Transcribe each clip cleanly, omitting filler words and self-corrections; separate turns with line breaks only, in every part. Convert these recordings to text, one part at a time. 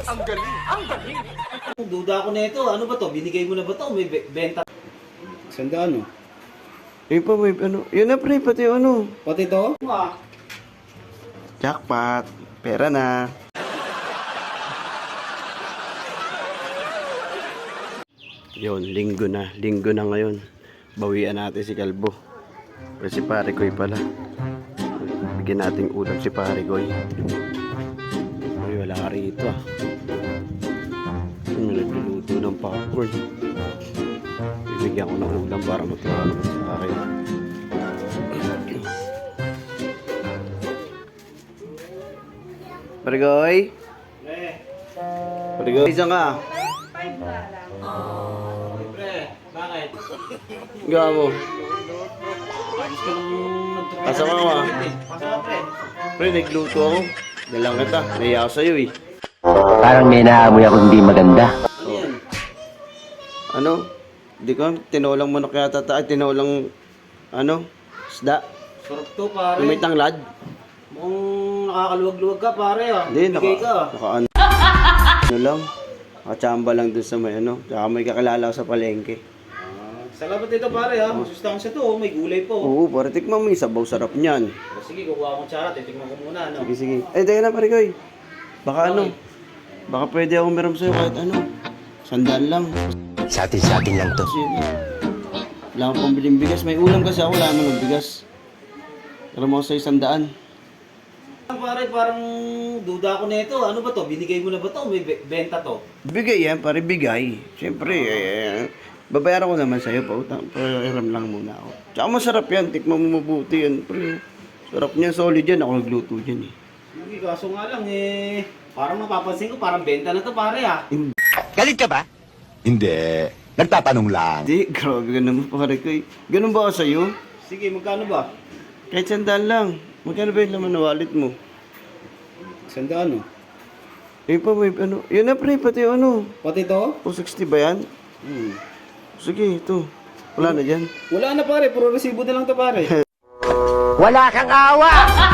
Ang galing! Ang galing!
Duda ako na ito. Ano ba to? Binigay mo na ba to? May benta.
Sandaan, oh.
Eh pa, may ano. Yun na pre, pati ano.
Pati to?
Jackpot. Pera na. Yun, linggo na. Linggo na ngayon. Bawian natin si Kalbo. Pero si Pare Koy pala. Bigyan natin ulam si Pare Koy. Ay, wala ka rito ah. Nagluluto ng popcorn. Bibigyan ko ng ulam para matuwa naman sa akin. Pare Koy? Pare Koy, isang ka?
Bakit?
Gawa mo.
Gusto nung nagtutulog.
Pasok ka ma.
Pasok ka, pre.
Pre, nagluto ako. Dalang kita. Naiya ako sa'yo eh.
Parang may naamoy ako hindi maganda.
Ano yan?
Ano? Di ko, tinolang manok yata tayo. Tinolang, ano? Isda.
Sarap to, pare.
May tanglad.
Mukhang nakakaluwag-luwag ka, pare, ah.
Hindi,
Bigay ka.
ano lang. Nakachamba lang dun sa may ano. Tsaka may kakilala ko sa palengke.
Salamat dito, pare, ha. Masustansya to, oh. May gulay po.
Oo, para tikman mo yung sabaw sarap niyan.
Sige, kukuha akong tsara. Titikman ko muna, no?
Sige, sige. Eh, teka na pare Koy. Baka ano? Baka pwede akong meron sa'yo kahit ano. Sandaan lang.
Sa atin lang to.
Kasi, wala akong pambiling bigas. May ulam kasi ako, wala naman ng bigas. Pero mo sa 100.
Pare, parang duda ako na ito. Ano ba to? Binigay mo na ba to? May benta to?
Bigay yan, pare bigay. Siyempre, babayaran ko naman sa'yo pa. Pahiram lang muna ako. Tsaka masarap yan, tikman mo mabuti yan. Pre, sarap niyan, solid yan. Ako nagluto dyan eh.
Hindi, kaso nga lang eh. Parang mapapansin ko, parang benta na to, pare, ha.
Galit ka ba?
Hindi. Nagtatanong lang.
Hindi, grabe ka naman pare ko eh. Ganun ba ako sa'yo?
Sige, magkano ba?
Kahit 100 lang. Magkano ba yung laman na wallet mo?
Sandaan, oh.
Eh pa, may ano. Yun na pre, pati ano.
Pati to?
260 ba yan? Sige, ito. Wala na dyan.
Wala na, pare. Puro resibo na lang to, pare.
Wala kang awa!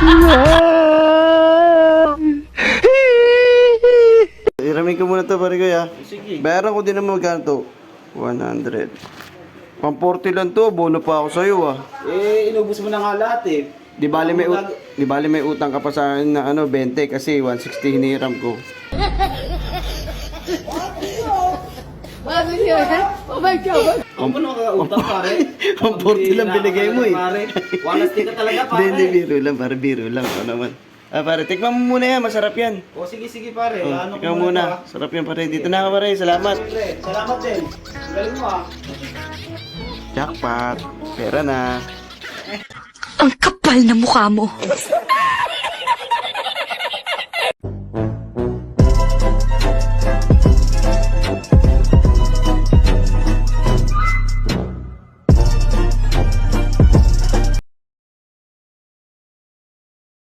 Iramin ko muna to pare ko ya.
Sige.
Bayaran ko din naman magkano to. 100. 140 lang to, bono pa ako sa'yo ah.
Eh, inubos mo na nga lahat eh.
Di bali may utang ka pa sa akin na ano, 20 kasi 160 hiniram ko.
Oh my God!
Ako mo nakakautang, pare.
140 lang binigay mo eh.
Pare, walastik ka talaga, pare.
Hindi, biro lang. Ano naman. Ah, pare, tikman mo muna yan, masarap yan.
O, sige, pare.
Oh,
Ano
tikman
ko
muna.
to,
Sarap yan pare. Dito na ka pare, salamat.
Pre, salamat din. Galing mo, ah.
Jackpot. Pera na.
Ang kapal na mukha mo.